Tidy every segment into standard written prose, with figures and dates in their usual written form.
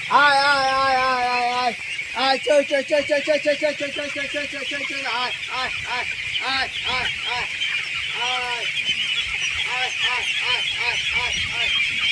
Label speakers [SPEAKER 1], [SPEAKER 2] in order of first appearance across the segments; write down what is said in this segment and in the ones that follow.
[SPEAKER 1] আয় আয় আয় আয় আয় আয় আয় চল চল চল চল চল চল চল চল চল চল চল চল চল আয় আয় আয় আয় আয় আয় আয় আয় আয় আয় আয় আয় আয়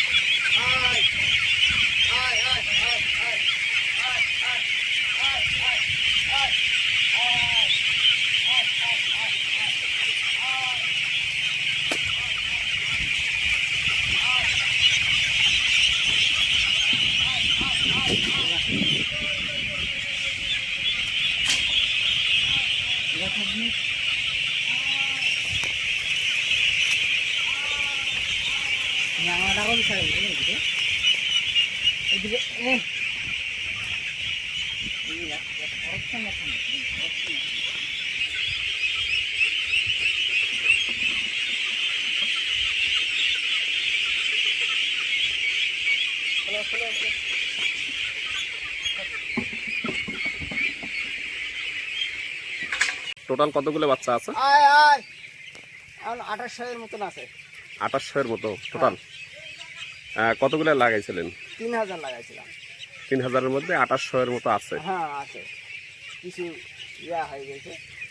[SPEAKER 2] টোটাল কতগুলো বাচ্চা আছে?
[SPEAKER 1] আয় আয় এখন 2800 এর মতন আছে।
[SPEAKER 2] 2800 এর মতো টোটাল। কতগুলো লাগাইছিলেন?
[SPEAKER 1] 3000 লাগাইছিলাম।
[SPEAKER 2] 3000 এর মধ্যে 2800 এর মতো আছে।
[SPEAKER 1] হ্যাঁ আছে, কিছু ইয়া হয়ে গেছে।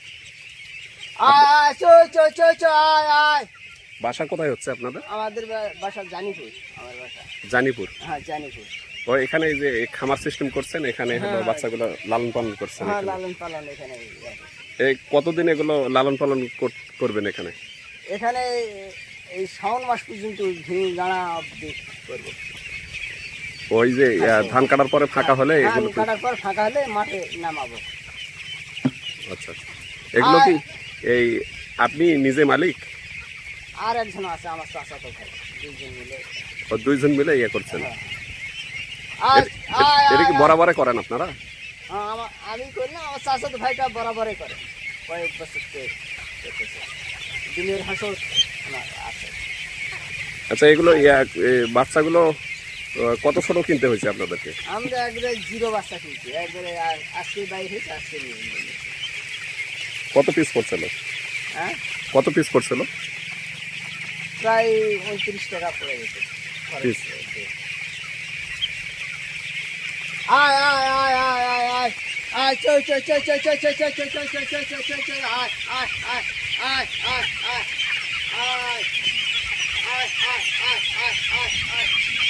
[SPEAKER 1] আয় আয় চল চল চল চল আয় আয়।
[SPEAKER 2] বাসা কোথায় হচ্ছে আপনাদের?
[SPEAKER 1] আমাদের বাসা জানিপুর। আমার বাসা
[SPEAKER 2] জানিপুর।
[SPEAKER 1] হ্যাঁ জানিপুর।
[SPEAKER 2] ও এখানে এই যে খামার সিস্টেম করছেন, এখানে হলো বাচ্চাগুলো লালন পালন করছেন?
[SPEAKER 1] হ্যাঁ লালন পালন এখানে।
[SPEAKER 2] এই কতদিন এগুলো লালন পালন করবেন এখানে?
[SPEAKER 1] এখানে এই শ্রাবণ মাস পর্যন্ত দাঁড়া করবো।
[SPEAKER 2] ওই যে ধান কাটার পরে ফাঁকা হলে এগুলো
[SPEAKER 1] কাটার পর ফাঁকা হলে মাঠে নামাবো।
[SPEAKER 2] আচ্ছা, এগুলো কি এই আপনি নিজে মালিক?
[SPEAKER 1] আর একজন আছে আমার চাচাতো ভাই, দুইজন মিলে।
[SPEAKER 2] ও দুইজন মিলে ইয়ে করছেন।
[SPEAKER 1] আর
[SPEAKER 2] এটা কি বরাবরে করেন আপনারা?
[SPEAKER 1] আমি করি না, আমার চাচাতো ভাইটা বরাবরই করে, কয়েক বছর দিনের হাসর আছে।
[SPEAKER 2] আচ্ছা, এগুলো বাচ্চাগুলো কত ছোট কিনতে হয়েছে আপনাদেরকে?
[SPEAKER 1] আমরা একবারে জিরো বাচ্চা কিনছি, একবারে আজকে বাইরে হয়েছে, আজকে নিয়ে।
[SPEAKER 2] কত পিস পড়ছিল?
[SPEAKER 1] হ্যাঁ
[SPEAKER 2] কত পিস পড়ছিল?
[SPEAKER 1] প্রায় 29 টাকা পড়ে গেছে
[SPEAKER 2] পিস।
[SPEAKER 1] আয় আয় আয় আয় আয় আয় আয় চল চল চল চল চল চল চল চল চল চল চল চল চল চল আয় আয় আয় আয় আয় আয় আয় আয় আয় আয় আয় আয় আয়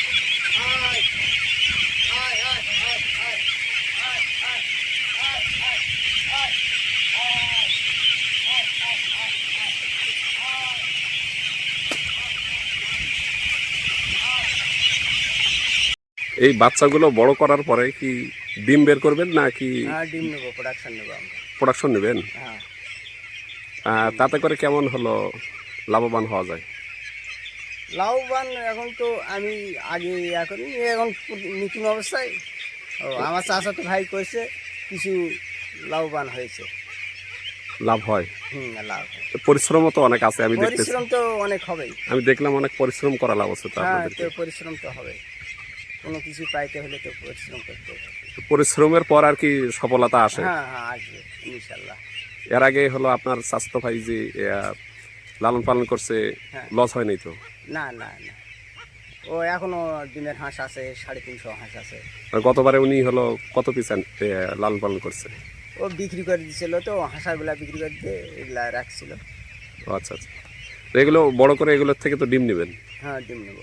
[SPEAKER 2] এই বাচ্চাগুলো বড় করার পরে কি ডিম বের করবেন নাকি?
[SPEAKER 1] হ্যাঁ ডিম নেবো, প্রোডাকশন নেবো আমরা।
[SPEAKER 2] প্রোডাকশন নেবেন?
[SPEAKER 1] হ্যাঁ।
[SPEAKER 2] তাতে করে কেমন হলো লাভবান হওয়া যায়?
[SPEAKER 1] লাভবান এখন তো আমি আগে এখন নতুন অবস্থায় আমার চাচাতো ভাই করেছে, কিছু লাভবান হয়েছে।
[SPEAKER 2] লাভ হয়?
[SPEAKER 1] লাভ।
[SPEAKER 2] পরিশ্রমও তো অনেক আছে, আমি দেখতেছি।
[SPEAKER 1] পরিশ্রম তো অনেক হবেই।
[SPEAKER 2] আমি দেখলাম অনেক পরিশ্রম করা লাভ আছে।
[SPEAKER 1] হ্যাঁ তো পরিশ্রম তো হবে, কোনো কিছু পাইতে হলে তো পরিশ্রম করতে হবে।
[SPEAKER 2] পরিশ্রমের পর আর কি সফলতা আসে?
[SPEAKER 1] হ্যাঁ হ্যাঁ আসবে ইনশাল্লাহ।
[SPEAKER 2] এর আগে হলো আপনার চাচাতো ভাই যে লালন পালন করছে, লস হয় নাই তো?
[SPEAKER 1] না না না, ও এখনো ডিমের হাঁস আছে, 350 হাঁস আছে।
[SPEAKER 2] গতবারে উনি হলো কত পিস লালন পালন করছে?
[SPEAKER 1] ও বিক্রি করে দিছিল, তো হাঁসাগুলা বিক্রি করে দিয়ে এগুলা রাখছিল।
[SPEAKER 2] আচ্ছা আচ্ছা, এগুলো বড় করে এগুলোর থেকে তো ডিম নেবেন?
[SPEAKER 1] হ্যাঁ ডিম নেব।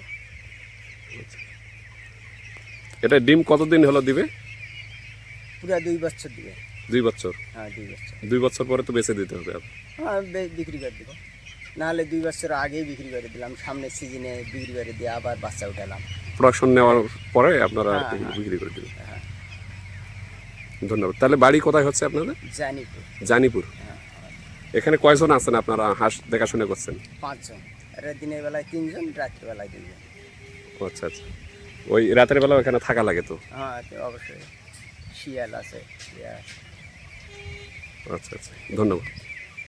[SPEAKER 2] এটা ডিম কতদিন হলো দিবে?
[SPEAKER 1] পুরা 2 বছর দিবে।
[SPEAKER 2] 2 বছর?
[SPEAKER 1] হ্যাঁ 2 বছর।
[SPEAKER 2] 2 বছর পরে তো বেচে দিতে হবে?
[SPEAKER 1] হ্যাঁ বিক্রি করে দেবো, নাহলে 2 বছর আগেই বিক্রি করে দিলাম, সামনের সিজনে বিক্রি করে দিয়ে আবার বাচ্চা উঠালাম।
[SPEAKER 2] প্রোডাকশন নেওয়ার পরে আপনারা বিক্রি করে দেবেন?
[SPEAKER 1] হ্যাঁ।
[SPEAKER 2] ধন্যবাদ। তাহলে বাড়ি কোথায় হচ্ছে আপনাদের?
[SPEAKER 1] জানিপুর।
[SPEAKER 2] জানিপুর।
[SPEAKER 1] হ্যাঁ।
[SPEAKER 2] এখানে কয়জন আছেন আপনারা হাঁস দেখাশোনা করছেন?
[SPEAKER 1] 5 জন। দিনের বেলায় 3 জন, রাত্রে বেলায় 2 জন।
[SPEAKER 2] আচ্ছা আচ্ছা, ওই রাতের বেলা এখানে থাকা লাগে তো?
[SPEAKER 1] হ্যাঁ অবশ্যই, শিয়াল আছে।
[SPEAKER 2] আচ্ছা আচ্ছা, ধন্যবাদ।